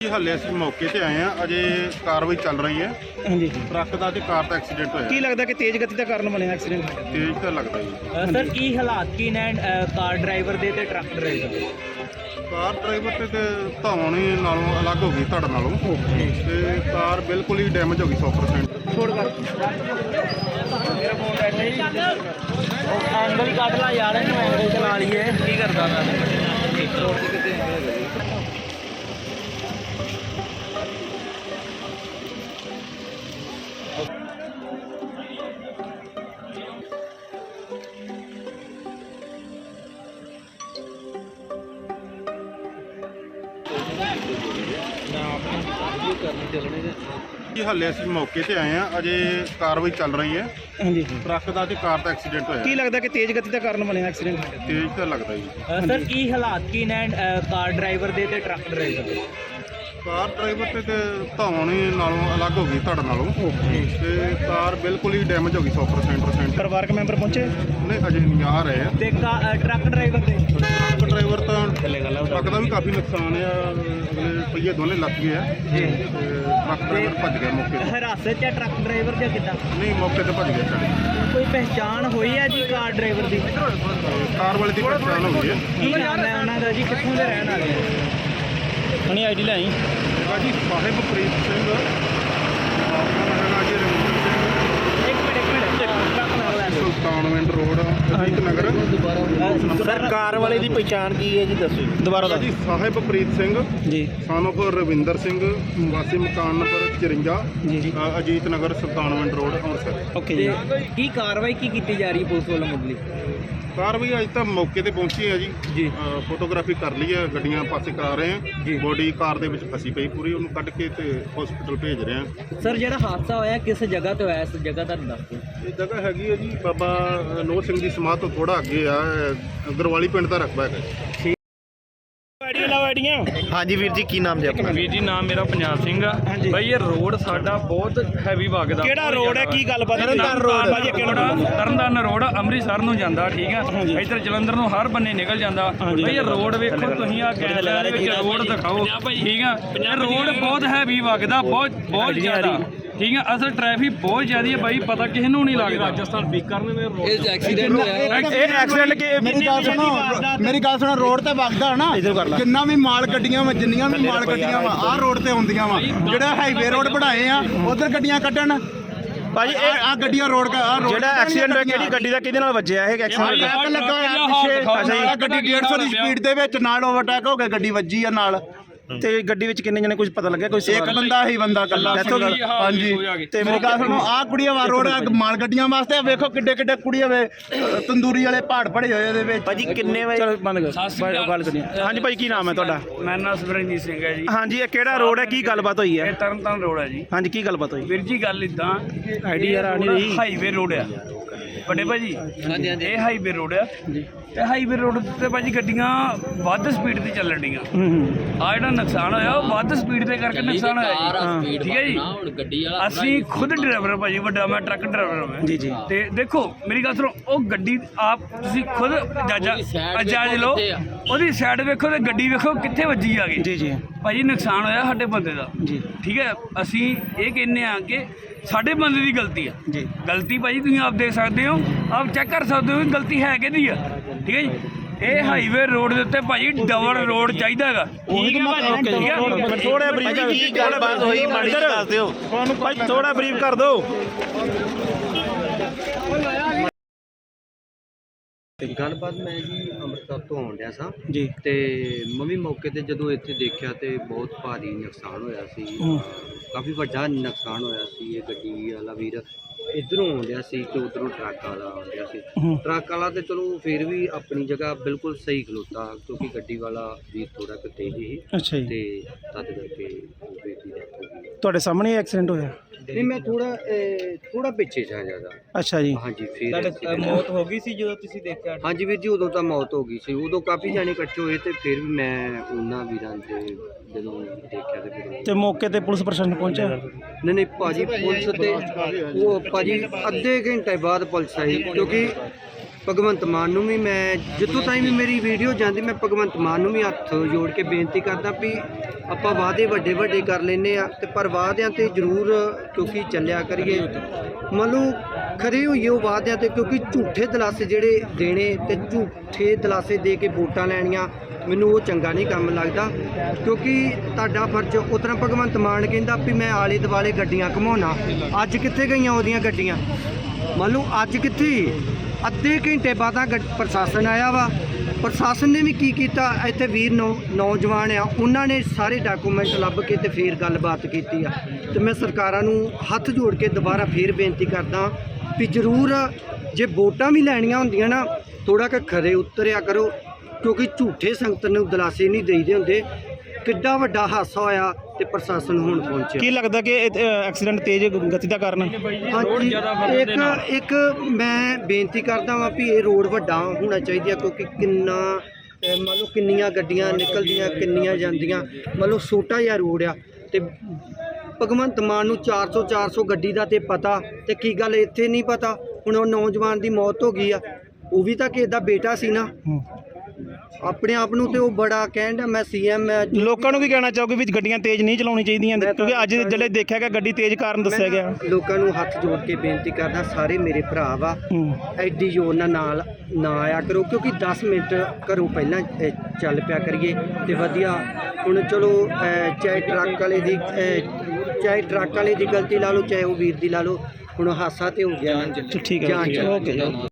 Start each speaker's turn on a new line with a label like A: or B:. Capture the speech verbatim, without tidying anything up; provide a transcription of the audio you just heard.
A: ਹਾਲੇ ਅਸੀਂ ਮੌਕੇ ਤੇ ਆਏ ਆ, ਅਜੇ ਕਾਰਵਾਈ ਚੱਲ ਰਹੀ ਹੈ।
B: ਹਾਂਜੀ
A: ਟਰੱਕ ਦਾ ਤੇ ਕਾਰ ਦਾ ਐਕਸੀਡੈਂਟ ਹੋਇਆ।
B: ਕੀ ਲੱਗਦਾ ਕਿ ਤੇਜ਼ ਗਤੀ ਦਾ ਕਾਰਨ ਬਣਿਆ ਐਕਸੀਡੈਂਟ?
A: ਤੇਜ਼ ਤਾਂ ਲੱਗਦਾ ਜੀ।
C: ਸਰ ਕੀ ਹਾਲਾਤ ਕੀ ਨੇ ਅ, ਕਾਰ ਡਰਾਈਵਰ ਦੇ ਤੇ ਟਰੱਕ ਡਰਾਈਵਰ ਦੇ?
A: ਕਾਰ ਡਰਾਈਵਰ ਤੇ ਤੇ ਧੌਣ ਹੀ ਨਾਲੋਂ ਅਲੱਗ ਹੋ ਗਈ ਧੜ ਨਾਲੋਂ, ਤੇ ਕਾਰ ਬਿਲਕੁਲ ਹੀ ਡੈਮੇਜ ਹੋ ਗਈ ਸੌ ਪਰਸੈਂਟ।
B: ਛੋੜ ਕਰ
C: ਮੇਰਾ ਫੋਨ ਐਸੇ ਹੀ ਉਹ ਐਂਗਲ ਹੀ ਕੱਢ ਲਾ ਯਾਰ, ਇਹਨੂੰ ਐਂਗਲ ਚਲਾ ਲਈਏ। ਕੀ ਕਰਦਾ ਮੈਂ ਰੋਡ ਤੇ ਕਿਤੇ
A: ਜੀ ਹਾਲੇ ਅਸੀਂ ਮੌਕੇ ਤੇ ਆਏ ਆ, ਅਜੇ ਕਾਰਵਾਈ ਚੱਲ ਰਹੀ ਹੈ।
B: ਹਾਂਜੀ
A: ਟਰੱਕ ਦਾ ਤੇ ਕਾਰ ਦਾ ਐਕਸੀਡੈਂਟ ਹੋਇਆ।
B: ਕੀ ਲੱਗਦਾ ਕਿ ਤੇਜ਼ ਗਤੀ ਦਾ ਕਾਰਨ ਬਣਿਆ ਐਕਸੀਡੈਂਟ?
A: ਤੇਜ਼ ਤਾਂ ਲੱਗਦਾ ਜੀ।
C: ਅ, ਸਰ ਕੀ ਹਾਲਾਤ ਕੀ ਨੇ ਅ, ਕਾਰ ਡਰਾਈਵਰ ਦੇ ਤੇ ਟਰੱਕ ਡਰਾਈਵਰ ਦੇ?
A: ਕਾਰ ਡਰਾਈਵਰ ਤੇ ਤੇ ਧੌਣ ਹੀ ਨਾਲੋਂ ਅਲੱਗ ਹੋ ਗਈ ਧੜ ਨਾਲੋਂ, ਤੇ ਕਾਰ ਬਿਲਕੁਲ ਹੀ ਡੈਮੇਜ ਹੋ ਗਈ ਸੌ ਪਰਸੈਂਟ।
B: ਪਰਿਵਾਰਕ ਮੈਂਬਰ ਪਹੁੰਚੇ?
A: ਨਹੀਂ ਅਜੇ ਨਹੀਂ ਆ ਰਹੇ ਆ।
C: ਤੇ ਕਾ- ਅ, ਟਰੱਕ ਡਰਾਈਵਰ ਦੇ?
A: ਟਰੱਕ ਡਰਾਈਵਰ ਤਾਂ ਟਰੱਕ ਦਾ ਵੀ ਕਾਫੀ ਨੁਕਸਾਨ ਆ, ਅਗਲੇ ਪਹੀਏ ਦੋਨੇ ਲੱਗ ਗਏ ਆ। ਤੇ ਟਰੱਕ ਡਰਾਈਵਰ ਭੱਜ ਗਿਆ ਮੌਕੇ ਤੇ।
C: ਹਿਰਾਸਤ 'ਚ ਹੈ ਟਰੱਕ ਡਰਾਈਵਰ ਜਾਂ ਕਿੱਦਾਂ?
A: ਨਹੀਂ ਮੌਕੇ ਤੇ ਭੱਜ ਗਿਆ ਸਾਡੇ।
C: ਕੋਈ ਪਹਿਚਾਣ ਹੋਈ ਹੈ ਜੀ ਕਾਰ ਡਰਾਈਵਰ ਦੀ?
A: ਕਾਰ ਵਾਲੇ ਦੀ ਪਛਾਣ ਹੋ ਗਈ ਹੈ।
C: ਕੀ ਨਾਮ ਹੈ ਉਹਨਾਂ ਦਾ ਜੀ, ਕਿੱਥੋਂ ਦੇ ਰਹਿਣ ਵਾਲੇ ਆ?
B: ਹਣੀ ਆਈਡੀ ਲੈ ਆਈ।
A: ਹੈਗਾ ਜੀ ਸਾਹਿਬਪ੍ਰੀਤ ਸਿੰਘ, ਆਪਣਾ ਹੈਗਾ ਜੀ ਰਵਿੰਦਰ ਸਿੰਘ,
C: ਇੱਕ ਮਿੰਟ ਇੱਕ ਮਿੰਟ ਟਰੱਕ ਨਾਲ ਲੈ ਲਓ।
A: Sultanwind road Ajit Nagar.
B: Sir car ਵਾਲੇ ਦੀ ਪਛਾਣ ਕੀ ਹੈ ਜੀ, ਦੱਸੋ ਦੁਬਾਰਾ
A: ਹੈਗਾ ਜੀ ਸਾਹਿਬਪ੍ਰੀਤ ਸਿੰਘ
B: ਜੀ
A: son of ਰਵਿੰਦਰ ਸਿੰਘ, ਵਾਸੀ ਮਕਾਨ ਨੰਬਰ ਚੁਰੰਜਾ,
B: ਜੀ
A: ਅ, ਅਜੀਤ ਨਗਰ ਸੁਲਤਾਨਵਿੰਡ ਰੋਡ ਅੰਮ੍ਰਿਤਸਰ।
B: ਓਕੇ ਜੀ।
C: ਤੇ ਕੀ ਕਾਰਵਾਈ ਕੀ ਕੀਤੀ ਜਾ ਰਹੀ ਹੈ ਪੁਲਿਸ ਵੱਲੋਂ ਮੁੱਢਲੀ?
A: ਕਾਰਵਾਈ ਅੱਜ ਤਾਂ ਮੌਕੇ ਤੇ ਪਹੁੰਚੀ ਹੈ ਜੀ।
C: ਜੀ।
A: ਅ, ਫੋਟੋਗ੍ਰਾਫੀ ਕਰ ਲਈ ਹੈ, ਗੱਡੀਆਂ ਪਾਸੇ ਕਰਾ ਰਹੇ
C: ਜੀ।
A: ਹਾਂ। ਬੋਡੀ ਕਾਰ ਦੇ ਵਿੱਚ ਫਸੀ ਪਈ ਪੂਰੀ, ਉਹਨੂੰ ਕੱਢ ਕੇ ਤੇ ਹਸਪੀਟਲ ਭੇਜ ਰਹੇ ਹਾਂ।
C: ਸਰ ਜਿਹੜਾ ਹਾਦਸਾ ਹੋਇਆ ਕਿਸ ਜਗ੍ਹਾ ਤੇ ਹੋਇਆ, ਇਸ ਜਗ੍ਹਾ ਦਾ ਦੱਸ ਦਿਓ।
A: ਇਹ ਜਗ੍ਹਾ ਹੈਗੀ ਹੈ ਜੀ ਬਾਬਾ ਨੋਹ ਸਿੰਘ ਦੀ ਸਮਾਧ ਤੋਂ ਥੋੜਾ ਅੱਗੇ ਆ, ਗਰਵਾਲੀ ਪਿੰਡ ਦਾ ਰਕਬਾ ਹੈਗਾ ਜੀ।
B: ਆਈਡੀਆਂ ਲਾਓ ਆਈਡੀਆਂ।
D: ਹਾਂਜੀ ਵੀਰ ਜੀ, ਕੀ ਨਾਮ ਜੀ ਆਪਣਾ?
E: ਵੀਰ ਜੀ ਨਾਮ ਮੇਰਾ ਪੰਜਾਬ ਸਿੰਘ ਆ।
B: ਹਾਂਜੀ।
E: ਬਈ ਇਹ ਰੋਡ ਸਾਡਾ ਬਹੁਤ ਹੈਵੀ ਵਗਦਾ।
B: ਕਿਹੜਾ ਰੋਡ ਹੈ, ਕੀ ਗੱਲਬਾਤ?
E: ਤਰਨਤਾਰਨ
B: ਰੋਡ ਭਾਜੀ ਕਿਹੜਾ ਰੋਡ?
E: ਤਰਨਤਾਰਨ ਰੋਡ ਅੰਮ੍ਰਿਤਸਰ ਨੂੰ ਜਾਂਦਾ, ਠੀਕ ਆ।
B: ਹਾਂਜੀ।
E: ਇੱਧਰ ਜਲੰਧਰ ਨੂੰ ਹਰ ਬੰਨੇ ਨਿਕਲ ਜਾਂਦਾ।
B: ਹਾਂਜੀ।
E: ਬਈ ਇਹ ਰੋਡ ਵੇਖੋ ਤੁਸੀਂ, ਆ ਕੈਮਰੇ ਦੇ ਵਿੱਚ ਰੋਡ ਦਿਖਾਓ, ਠੀਕ ਆ। ਇਹ ਰੋਡ ਬਹੁਤ ਹੈਵੀ ਵਗਦਾ, ਬਹੁਤ ਬਹੁਤ ਜ਼ਿਆਦਾ, ਠੀਕ ਆ। ਅਸਲ ਟ੍ਰੈਫਿਕ ਬਹੁਤ ਜ਼ਿਆਦਾ ਹੈ ਬਾਈ, ਪਤਾ ਕਿਸੇ ਨੂੰ ਨਹੀਂ ਲੱਗਦਾ। ਰਾਜਸਥਾਨ ਬੀਕਰ ਨੇ ਰੋਡ
B: ਇਹ ਐਕਸੀਡੈਂਟ ਕਿ
F: ਮੇਰੀ ਗੱਲ ਸੁਣੋ ਮੇਰੀ ਗੱਲ ਸੁਣੋ ਰੋਡ ਤੇ ਵਗਦਾ ਨਾ, ਜਿੰਨਾ ਵੀ ਮਾਲ ਗੱਡੀਆਂ ਵਾ, ਜਿੰਨੀਆਂ ਵੀ ਮਾਲ ਗੱਡੀਆਂ ਵਾ ਆਹ ਰੋਡ ਤੇ ਹੁੰਦੀਆਂ ਵਾ। ਜਿਹੜਾ ਹਾਈਵੇ ਰੋਡ ਬਣਾਏ ਆ ਉਧਰ ਗੱਡੀਆਂ ਕੱਢਣ
B: ਭਾਜੀ। ਇਹ
F: ਆ ਗੱਡੀਆਂ ਰੋਡ ਆ
B: ਜਿਹੜਾ ਐਕਸੀਡੈਂਟ ਹੋਇਆ ਕਿਹੜੀ ਗੱਡੀ ਦਾ, ਕਿਹਦੇ ਨਾਲ ਵੱਜਿਆ ਇਹ ਐਕਸੀਡੈਂਟ?
F: ਟਰੱਕ ਲੱਗਾ ਹੋਇਆ ਪਿੱਛੇ।
B: ਅੱਛਾ ਜੀ।
F: ਆਹ ਗੱਡੀ ਡੇਢ ਸੌ ਦੀ ਸਪੀਡ ਦੇ ਵਿੱਚ ਨਾਲ ਓਵਰਟੇਕ ਹੋ ਕੇ ਗੱਡੀ ਵੱਜੀ ਆ ਨਾਲ।
B: ਤੇ ਗੱਡੀ ਵਿੱਚ ਕਿੰਨੇ ਜਣੇ, ਕੁਝ ਪਤਾ ਲੱਗਿਆ? ਕੋਈ
F: ਇੱਕ ਬੰਦਾ ਹੀ ਬੰਦਾ ਕੱਲਾ।
B: ਇੱਥੋਂ ਦੀ?
F: ਹਾਂਜੀ।
B: ਤੇ
F: ਮੇਰੀ ਗੱਲ ਸੁਣੋ, ਆਹ ਕੁੜੀਆਂ ਵਾ ਰੋਡ ਮਾਲ ਗੱਡੀਆਂ ਵਾਸਤੇ ਆ, ਵੇਖੋ ਕਿੱਡੇ ਕਿੱਡੇ ਕੁੜੀਆਂ ਵੇ ਤੰਦੂਰੀ ਵਾਲੇ ਪਹਾੜ ਪੜੇ ਹੋਏ ਇਹਦੇ ਵਿੱਚ।
B: ਭਾਜੀ ਕਿੰਨੇ ਵਜੇ? ਚਲੋ ਬੰਦ ਕਰ, ਗੱਲ ਕਰੀਏ। ਹਾਂਜੀ ਭਾਈ, ਕੀ ਨਾਮ ਹੈ ਤੁਹਾਡਾ?
E: ਮੇਰਾ ਨਾਮ ਸਵਰਨਜੀਤ ਸਿੰਘ ਹੈ ਜੀ।
B: ਹਾਂਜੀ, ਇਹ ਕਿਹੜਾ ਰੋਡ ਹੈ, ਕੀ ਗੱਲਬਾਤ ਹੋਈ
E: ਇਹ
B: ਹੈ?
E: ਤਰਨਤਾਰਨ ਰੋਡ ਹੈ ਜੀ।
B: ਹਾਂਜੀ, ਕੀ ਗੱਲਬਾਤ ਹੋਈ?
E: ਵੀਰ ਜੀ ਗੱਲ ਇਦਾਂ,
B: ਆਈਡੀ ਯਾਰ ਆ ਨਹੀਂ ਰਹੀ।
E: ਹਾਈਵੇ ਰੋਡ ਆ ਵੱਡੇ ਭਾਜੀ। ਹਾਂਜੀ ਹਾਂਜੀ। ਇਹ ਹਾਈਵੇ ਰੋਡ ਆ,
B: ਜੀ।
E: ਤੇ ਹਾਈਵੇ ਰੋਡ ਤੇ ਭਾਜੀ ਗੱਡੀਆਂ ਵੱਧ ਸਪੀਡ ਤੇ ਚੱਲਣ ਡੀਆਂ।
B: ਹੂੰ ਹੂੰ।
E: ਆ ਜਿਹੜਾ ਨੁਕਸਾਨ ਹੋਇਆ ਉਹ ਵੱਧ ਸਪੀਡ ਦੇ ਕਰਕੇ ਨੁਕਸਾਨ ਹੋਇਆ ਜੀ, ਠੀਕ ਹੈ ਜੀ। ਅਸੀਂ ਖੁਦ ਡਰਾਈਵਰ ਭਾਜੀ, ਵੱਡਾ ਮੈਂ ਟਰੱਕ ਡਰਾਈਵਰ ਹਾਂ
B: ਜੀ ਜੀ।
E: ਤੇ ਦੇਖੋ ਮੇਰੀ ਗੱਲ ਸੁਣੋ, ਉਹ ਗੱਡੀ ਆਪ ਤੁਸੀਂ ਖੁਦ ਜਾਜਾ ਜਾਜ ਲਓ, ਉਹਦੀ ਸਾਈਡ ਵੇਖੋ ਤੇ ਗੱਡੀ ਵੇਖੋ ਕਿੱਥੇ ਵੱਜੀ ਆ ਗਈ।
B: ਜੀ ਜੀ
E: ਭਾਜੀ ਨੁਕਸਾਨ ਹੋਇਆ ਸਾਡੇ ਬੰਦੇ ਦਾ,
B: ਜੀ।
E: ਠੀਕ ਹੈ। ਅਸੀਂ ਇਹ ਕਹਿੰਦੇ ਆ ਕਿ ਸਾਡੇ ਬੰਦੇ ਦੀ ਗਲਤੀ ਆ
B: ਜੀ।
E: ਗਲਤੀ ਭਾਜੀ ਤੁਸੀਂ ਆਪ ਦੇਖ ਸਕਦੇ ਹੋ, ਆਪ ਚੈੱਕ ਕਰ ਸਕਦੇ ਹੋ ਕਿ ਗਲਤੀ ਹੈ ਕਿਹਦੀ ਆ, ਠੀਕ ਹੈ ਜੀ। ਇਹ ਹਾਈਵੇ ਰੋਡ ਦੇ ਉੱਤੇ ਭਾਜੀ ਡਬਲ ਰੋਡ ਚਾਹੀਦਾ ਹੈਗਾ, ਠੀਕ ਹੈ ਭਾਜੀ, ਠੀਕ ਹੈ।
B: ਥੋੜਾ ਬਰੀਫ ਕਰ,
D: ਕੀ ਗੱਲਬਾਤ ਹੋਈ ਮਾੜੀ ਜਿਹੀ ਦੱਸ ਦਿਓ।
B: ਤੁਹਾਨੂੰ ਭਾਈ ਥੋੜਾ ਬਰੀਫ ਕਰ ਦਿਓ।
G: ਗੱਲਬਾਤ ਮੈਂ ਜੀ ਅੰਮ੍ਰਿਤਸਰ ਤੋਂ ਆਉਣ ਡਿਆ ਸਾਂ
B: ਜੀ।
G: ਤੇ ਮੈਂ ਵੀ ਮੌਕੇ ਤੇ ਜਦੋਂ ਇੱਥੇ ਦੇਖਿਆ ਤੇ ਬਹੁਤ ਭਾਰੀ ਨੁਕਸਾਨ ਹੋਇਆ ਸੀ। ਕਾਫੀ ਵੱਡਾ ਨੁਕਸਾਨ ਹੋਇਆ ਸੀ। ਇਹ ਗੱਡੀ ਵਾਲਾ ਵੀਰ ਇੱਧਰੋਂ ਆਉਂਦਿਆ ਸੀ ਤੇ ਉੱਧਰੋਂ ਟਰੱਕ ਵਾਲਾ ਆਉਂਦਿਆ ਸੀ। ਟਰੱਕ ਵਾਲਾ ਤੇ ਚਲੋ ਫਿਰ ਵੀ ਆਪਣੀ ਜਗ੍ਹਾ ਬਿਲਕੁਲ ਸਹੀ ਖਲੋਤਾ, ਕਿਉਂਕਿ ਗੱਡੀ ਵਾਲਾ ਵੀਰ ਥੋੜਾ ਕੁ ਤੇਜ਼ ਸੀ
B: ਅੱਛਾ ਜੀ।
G: ਤੇ ਤਦ ਕਰਕੇ ਉਹ ਵੀਰ ਦੀ ਡੈਥ ਹੋ ਗਈ।
B: ਤੁਹਾਡੇ ਸਾਹਮਣੇ ਐਕਸੀਡੈਂਟ ਹੋਇਆ?
G: ਨਹੀਂ ਮੈਂ ਥੋੜਾ ਥੋੜਾ ਪਿੱਛੇ ਜਾ ਜ਼ਿਆਦਾ।
B: ਅੱਛਾ ਜੀ।
G: ਹਾਂਜੀ। ਫਿਰ
C: ਮੌਤ ਹੋ ਗਈ ਸੀ ਜਦੋਂ ਤੁਸੀਂ ਦੇਖਿਆ?
G: ਹਾਂਜੀ ਵੀਰ ਜੀ, ਉਦੋਂ ਤਾਂ ਮੌਤ ਹੋ ਗਈ ਸੀ। ਉਦੋਂ ਕਾਫੀ ਜਾਣੇ ਇਕੱਠੇ ਹੋਏ ਤੇ ਫਿਰ ਵੀ ਮੈਂ ਉਹਨਾਂ ਵੀਰਾਂ ਦੇ ਜਦੋਂ ਦੇਖਿਆ ਤੇ ਫਿਰ
B: ਤੇ ਮੌਕੇ ਤੇ ਪੁਲਿਸ ਪ੍ਰਸ਼ਾਸਨ ਪਹੁੰਚਿਆ?
G: ਨਹੀਂ ਨਹੀਂ ਭਾਜੀ, ਪੁਲਿਸ ਤੇ ਉਹ ਭਾਜੀ ਅੱਧੇ ਘੰਟੇ ਬਾਅਦ ਪੁਲਿਸ ਆਈ, ਕਿਉਂਕਿ ਭਗਵੰਤ ਮਾਨ ਨੂੰ ਵੀ ਮੈਂ ਜਿੱਥੋਂ ਤਾਈਂ ਵੀ ਮੇਰੀ ਵੀਡੀਓ ਜਾਂਦੀ ਮੈਂ ਭਗਵੰਤ ਮਾਨ ਨੂੰ ਵੀ ਹੱਥ ਜੋੜ ਕੇ ਬੇਨਤੀ ਕਰਦਾ ਵੀ ਆਪਾਂ ਵਾਅਦੇ ਵੱਡੇ ਵੱਡੇ ਕਰ ਲੈਂਦੇ ਆ ਤੇ ਪਰ ਵਾਅਦਿਆਂ ਤੇ ਜ਼ਰੂਰ ਕਿਉਂਕਿ ਚੱਲਿਆ ਕਰੀਏ ਮੰਨ ਲਓ ਖਰੇ ਹੋਈਏ ਉਹ ਵਾਅਦਿਆਂ ਤੇ ਕਿਉਂਕਿ ਝੂਠੇ ਦਲਾਸੇ ਜਿਹੜੇ ਦੇਣੇ ਤੇ ਝੂਠੇ ਦਲਾਸੇ ਦੇ ਕੇ ਵੋਟਾਂ ਲੈਣੀਆਂ ਮੈਨੂੰ ਉਹ ਚੰਗਾ ਨਹੀਂ ਕੰਮ ਲੱਗਦਾ ਕਿਉਂਕਿ ਤੁਹਾਡਾ ਫਰਜ਼ ਉਸ ਤਰ੍ਹਾਂ ਭਗਵੰਤ ਮਾਨ ਕਹਿੰਦਾ ਵੀ ਮੈਂ ਆਲੇ ਦੁਆਲੇ ਗੱਡੀਆਂ ਘੁਮਾਉਣਾ ਅੱਜ ਕਿੱਥੇ ਗਈਆਂ ਉਹਦੀਆਂ ਗੱਡੀਆਂ ਮੰਨ ਲਓ ਅੱਜ ਕਿੱਥੇ ਅੱਧੇ ਘੰਟੇ ਬਾਅਦ ਪ੍ਰਸ਼ਾਸਨ ਆਇਆ ਵਾ ਪ੍ਰਸ਼ਾਸਨ ਨੇ ਵੀ ਕੀ ਕੀਤਾ ਇੱਥੇ ਵੀਰ ਨੌ ਨੌਜਵਾਨ ਆ ਉਹਨਾਂ ਨੇ ਸਾਰੇ ਡਾਕੂਮੈਂਟ ਲੱਭ ਕੇ ਤੇ ਫੇਰ ਗੱਲਬਾਤ ਕੀਤੀ ਆ ਤੇ ਮੈਂ ਸਰਕਾਰਾਂ ਨੂੰ ਹੱਥ ਜੋੜ ਕੇ ਦੁਬਾਰਾ ਫੇਰ ਬੇਨਤੀ ਕਰਦਾ ਵੀ ਜ਼ਰੂਰ ਜੇ ਵੋਟਾਂ ਵੀ ਲੈਣੀਆਂ ਹੁੰਦੀਆਂ ਨਾ ਥੋੜਾ ਕੁ ਖਰੇ ਉਤਰਿਆ ਕਰੋ ਕਿਉਂਕਿ ਝੂਠੇ ਸੰਗਤ ਨੂੰ ਦਿਲਾਸੇ ਨਹੀਂ ਦੇਈਦੇ ਹੁੰਦੇ ਕਿੱਡਾ ਵੱਡਾ ਹਾਦਸਾ ਹੋਇਆ ਤੇ ਪ੍ਰਸ਼ਾਸਨ ਹੁਣ ਪਹੁੰਚਿਆ
B: ਕੀ ਲੱਗਦਾ ਕਿ ਐਕਸੀਡੈਂਟ ਤੇਜ਼ ਗਤੀ ਦਾ ਕਾਰਨ
E: ਰੋਡ ਜ਼ਿਆਦਾ ਵਧਣ ਦੇ ਨਾਲ
G: ਇੱਕ ਇੱਕ ਮੈਂ ਬੇਨਤੀ ਕਰਦਾ ਵਾਂ ਵੀ ਇਹ ਰੋਡ ਵੱਡਾ ਹੋਣਾ ਚਾਹੀਦਾ ਕਿਉਂਕਿ ਕਿੰਨਾ ਅਹ ਮੰਨ ਲਓ ਕਿੰਨੀਆਂ ਗੱਡੀਆਂ ਨਿਕਲਦੀਆਂ ਕਿੰਨੀਆਂ ਜਾਂਦੀਆਂ ਮੰਨ ਲਓ ਛੋਟਾ ਜਿਹਾ ਰੋਡ ਆ ਤੇ ਭਗਵੰਤ ਮਾਨ ਨੂੰ ਚਾਰ ਸੌ ਚਾਰ ਸੌ ਗੱਡੀ ਦਾ ਤੇ ਪਤਾ ਤੇ ਕੀ ਗੱਲ ਇੱਥੇ ਨਹੀਂ ਪਤਾ ਹੁਣ ਉਹ ਨੌਜਵਾਨ ਦੀ ਮੌਤ ਹੋ ਗਈ ਆ ਉਹ ਵੀ ਤਾਂ ਕਿਸੇ ਦਾ ਬੇਟਾ ਸੀ ਨਾ ਆਪਣੇ ਆਪ ਨੂੰ ਤੇ ਉਹ ਬੜਾ ਕਹਿੰਦਾ ਮੈਂ ਸੀਐਮ
B: ਲੋਕਾਂ ਨੂੰ ਕੀ ਕਹਿਣਾ ਚਾਹੋਗੇ ਵੀ ਗੱਡੀਆਂ ਤੇਜ਼ ਨਹੀਂ ਚਲਾਉਣੀ ਚਾਹੀਦੀਆਂ ਕਿਉਂਕਿ ਅੱਜ ਜਿਹੜੇ ਦੇਖਿਆ ਗਿਆ ਗੱਡੀ ਤੇਜ਼ ਕਾਰਨ ਦੱਸਿਆ ਗਿਆ
G: ਲੋਕਾਂ ਨੂੰ ਹੱਥ ਜੋੜ ਕੇ ਬੇਨਤੀ ਕਰਦਾ ਸਾਰੇ ਮੇਰੇ ਭਰਾ ਵਾ ਐਡੀ ਜ਼ੋਰ ਨਾਲ ਨਾਲ ਨਾ ਆਇਆ ਕਰੋ ਕਿਉਂਕਿ ਦਸ ਮਿੰਟ ਘਰੋਂ ਪਹਿਲਾਂ ਅਹ, ਚੱਲ ਪਿਆ ਕਰੀਏ ਤੇ ਵਧੀਆ ਹੁਣ ਚਲੋ ਅਹ, ਚਾਹੇ ਟਰੱਕ ਵਾਲੇ ਦੀ ਅਹ, ਚਾਹੇ ਟਰੱਕ ਵਾਲੇ ਦੀ ਗਲਤੀ ਲਾ ਲਓ ਚਾਹੇ ਉਹ ਵੀਰ ਦੀ ਲਾ ਲਓ ਹੁਣ ਹਾਦਸਾ ਤੇ ਹੋ ਗਿਆ
B: ਠੀਕ ਹੈ
G: ਜਾਨ ਚਲੀ
B: ਓਕੇ